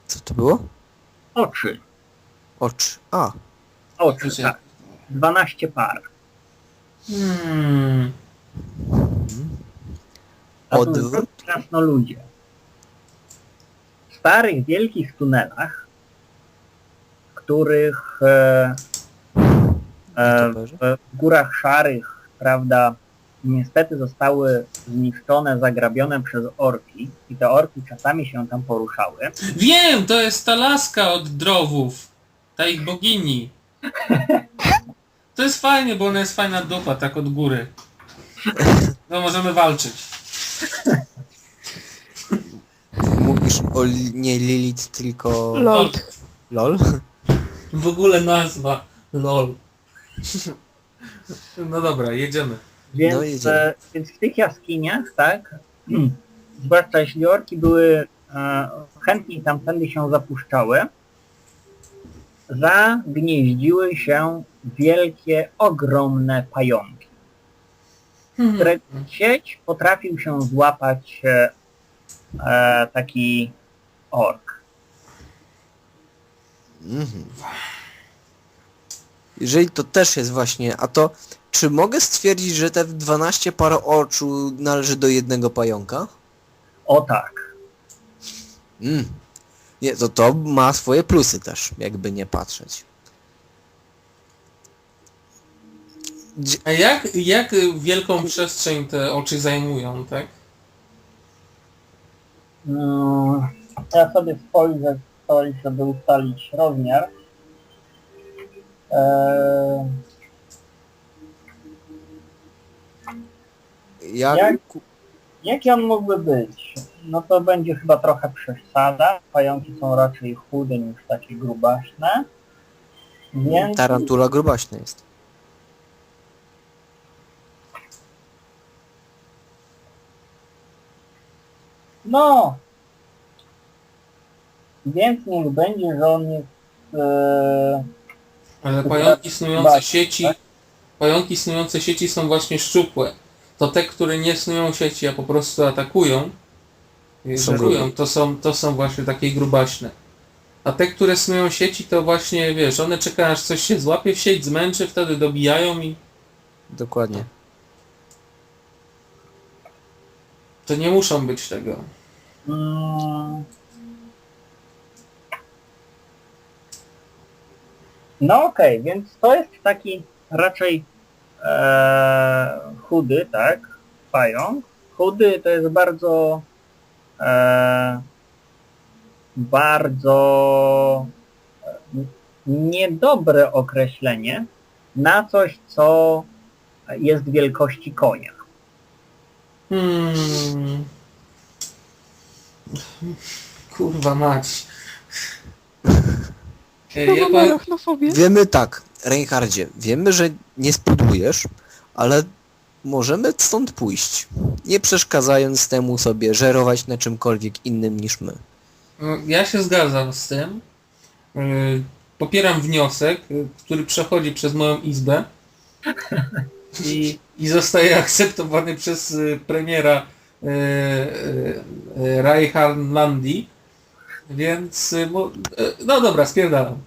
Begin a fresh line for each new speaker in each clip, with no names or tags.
Co to było?
Oczy.
Oczy. A.
Oczy, tak. 12 par. A to
Odwrót.
są krasnoludzie. W starych, wielkich tunelach, w których w górach szarych, prawda, niestety zostały zniszczone, zagrabione przez orki i te orki czasami się tam poruszały.
Wiem, to jest ta laska od drowów. Ta ich bogini. To jest fajnie, bo ona jest fajna dupa, tak od góry. No możemy walczyć.
Mówisz o nie Lilith, tylko...
Lol.
LOL?
W ogóle nazwa. LOL. No dobra, jedziemy.
Więc,
No, jedziemy.
więc w tych jaskiniach, tak, zwłaszcza jeśli orki były chętniej tamtędy się zapuszczały, zagnieździły się wielkie, ogromne pająki, które sieć potrafił się złapać taki ork.
Jeżeli to też jest właśnie, a to czy mogę stwierdzić, że te 12 par oczu należy do jednego pająka?
O tak.
Nie, to ma swoje plusy też, jakby nie patrzeć.
A jak wielką przestrzeń te oczy zajmują, tak?
Ja sobie spojrzę coś, żeby ustalić rozmiar. Jaki on mógłby być? No to będzie chyba trochę przesada. Pająki są raczej chude niż takie grubaśne. Więc...
Tarantula grubaśna jest.
No! Więc niech będzie, że on jest...
Ale pająki snujące sieci są właśnie szczupłe. To te, które nie snują sieci, a po prostu atakują, żerują, to są właśnie takie grubaśne. A te, które snują sieci, to właśnie, wiesz, one czekają, aż coś się złapie w sieć, zmęczy, wtedy dobijają i...
Dokładnie.
To nie muszą być tego.
No okej, więc to jest taki raczej chudy, tak? Pająk. Chudy to jest bardzo niedobre określenie na coś, co jest wielkości konia.
Kurwa mać.
Wiemy tak, Reinhardzie, wiemy, że nie spudujesz, ale możemy stąd pójść, nie przeszkadzając temu sobie żerować na czymkolwiek innym niż my.
Ja się zgadzam z tym. Popieram wniosek, który przechodzi przez moją izbę i zostaje akceptowany przez premiera Reinhardlandi. Więc, no dobra, spierdalam.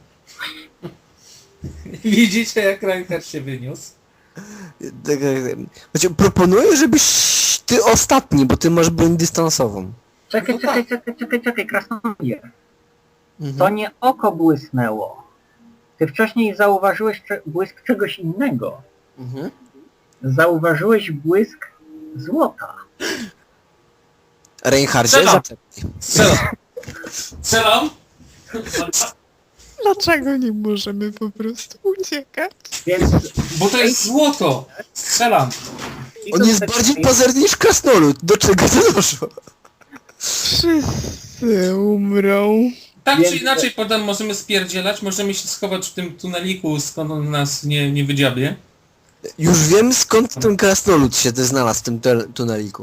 Widzicie, jak Reinhardt się wyniósł?
Proponuję, żebyś ty ostatni, bo ty masz broń dystansową.
Czekaj, krasnoludzie. To nie oko błysnęło. Ty wcześniej zauważyłeś błysk czegoś innego. Zauważyłeś błysk złota.
Reinhardzie, zaczekaj.
Strzelam!
Dlaczego nie możemy po prostu uciekać?
Więc...
Bo to jest złoto! Strzelam!
On jest bardziej pazerny niż krasnolud. Do czego to doszło?
Wszyscy umrą.
Tak czy inaczej, potem możemy spierdzielać, możemy się schować w tym tuneliku, skąd on nas nie wydziabie.
Już wiem, skąd ten krasnolud się znalazł w tym tuneliku.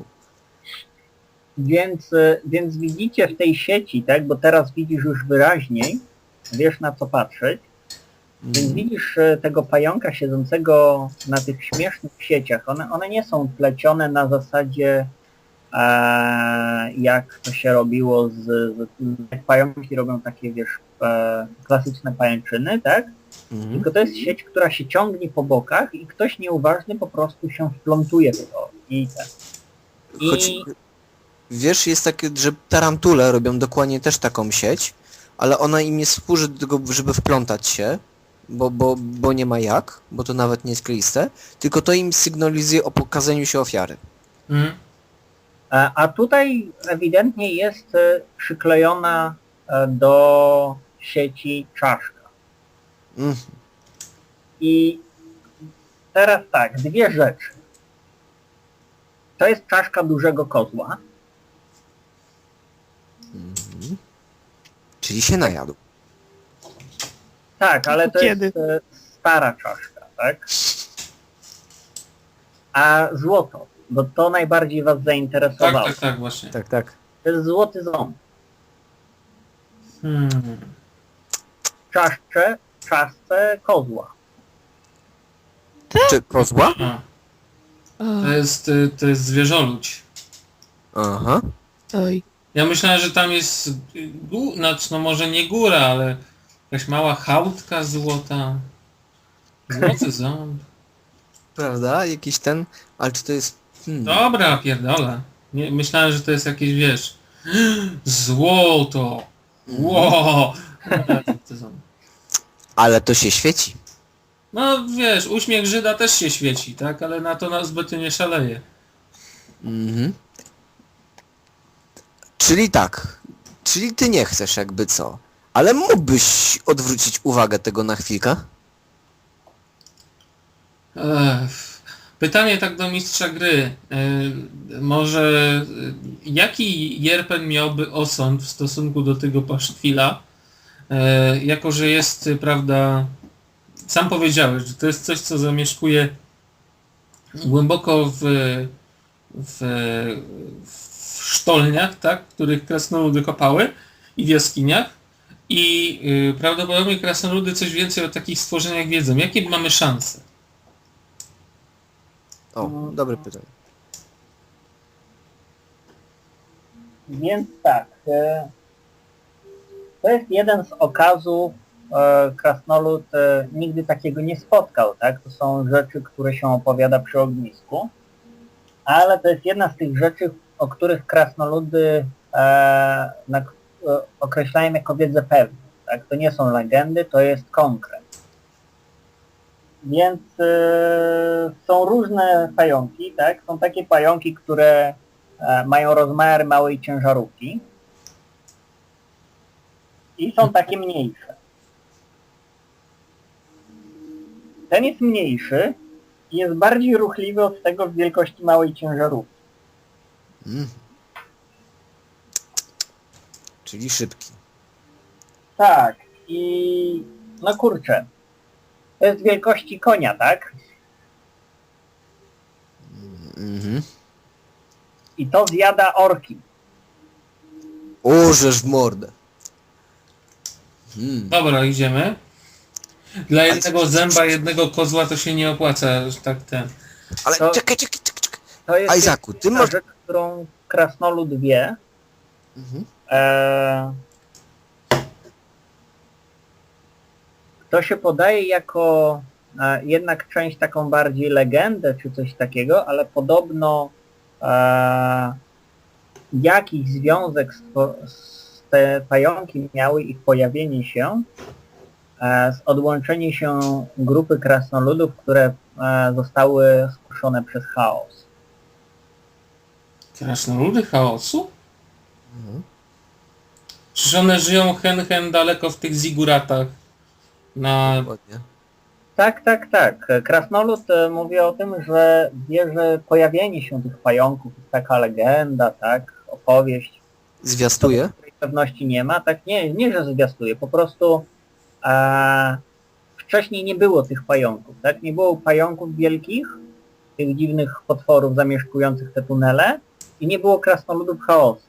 Więc widzicie w tej sieci, tak, bo teraz widzisz już wyraźniej, wiesz na co patrzeć, więc widzisz tego pająka siedzącego na tych śmiesznych sieciach. One nie są plecione na zasadzie jak to się robiło jak pająki robią takie, wiesz, klasyczne pajęczyny, tak?
Mhm.
Tylko to jest sieć, która się ciągnie po bokach i ktoś nieuważny po prostu się wplątuje w to.
Choć, wiesz, jest takie, że tarantule robią dokładnie też taką sieć, ale ona im nie służy do tego, żeby wplątać się, bo nie ma jak, bo to nawet nie jest kleiste, tylko to im sygnalizuje o pokazaniu się ofiary.
Mhm.
A tutaj ewidentnie jest przyklejona do sieci czaszka.
Mhm.
I teraz tak, dwie rzeczy. To jest czaszka dużego kozła.
Czyli się najadł.
Tak, ale to
Kiedy?
jest stara czaszka, tak? A złoto, bo to najbardziej was zainteresowało.
Tak, właśnie.
Tak, tak.
To jest złoty ząb.
Hmm.
Czaszce kozła.
Czy kozła?
A,
O,
to jest zwierzoludź.
Aha.
oj.
Ja myślałem, że tam jest, znaczy no może nie góra, ale jakaś mała chałtka złota. Złoty ząb.
Prawda? Jakiś ten... Ale czy to jest...
Dobra, pierdolę. Nie, myślałem, że to jest jakieś, wiesz... Złoto! Ło! Złoty ząb.
Ale to się świeci.
No wiesz, uśmiech Żyda też się świeci, tak? Ale na to nas zbyt nie szaleje.
Mhm. Czyli tak. Czyli ty nie chcesz jakby co. Ale mógłbyś odwrócić uwagę tego na chwilkę?
Pytanie tak do mistrza gry. Może jaki Jerpen miałby osąd w stosunku do tego paszkwila? Jako, że jest, prawda, sam powiedziałeś, że to jest coś, co zamieszkuje głęboko w sztolniach, tak, których krasnoludy kopały i w jaskiniach. I prawdopodobnie krasnoludy coś więcej o takich stworzeniach wiedzą. Jakie mamy szanse?
O, dobre pytanie.
Więc tak, to jest jeden z okazów, krasnolud nigdy takiego nie spotkał, tak? To są rzeczy, które się opowiada przy ognisku, ale to jest jedna z tych rzeczy, o których krasnoludy określają jako wiedzę pewną, tak? To nie są legendy, to jest konkret. Więc są różne pająki, tak? Są takie pająki, które mają rozmiary małej ciężarówki i są takie mniejsze. Ten jest mniejszy i jest bardziej ruchliwy od tego w wielkości małej ciężarówki.
Czyli szybki.
Tak, i no kurczę, to jest wielkości konia, tak?
Mhm.
I to zjada orki.
Orzesz w mordę.
Dobra, idziemy. Dla jednego zęba, jednego kozła to się nie opłaca, że tak ten.
Ale
To-
czekaj.
To jest
Isaacu, ty
jedna
masz...
rzecz, którą krasnolud wie.
Mhm.
To się podaje jako jednak część taką bardziej legendę czy coś takiego, ale podobno jakiś związek z te pająki miały ich pojawienie się z odłączenie się grupy krasnoludów, które zostały skuszone przez chaos.
Krasnoludy chaosu? Czyż one żyją hen daleko w tych ziguratach?
Dokładnie.
Tak. Krasnolud mówi o tym, że wie, że pojawienie się tych pająków jest taka legenda, tak, opowieść,
Zwiastuje?
której pewności nie ma, tak, nie, że zwiastuje, po prostu wcześniej nie było tych pająków, tak, nie było pająków wielkich, tych dziwnych potworów zamieszkujących te tunele i nie było krasnoludów chaosu.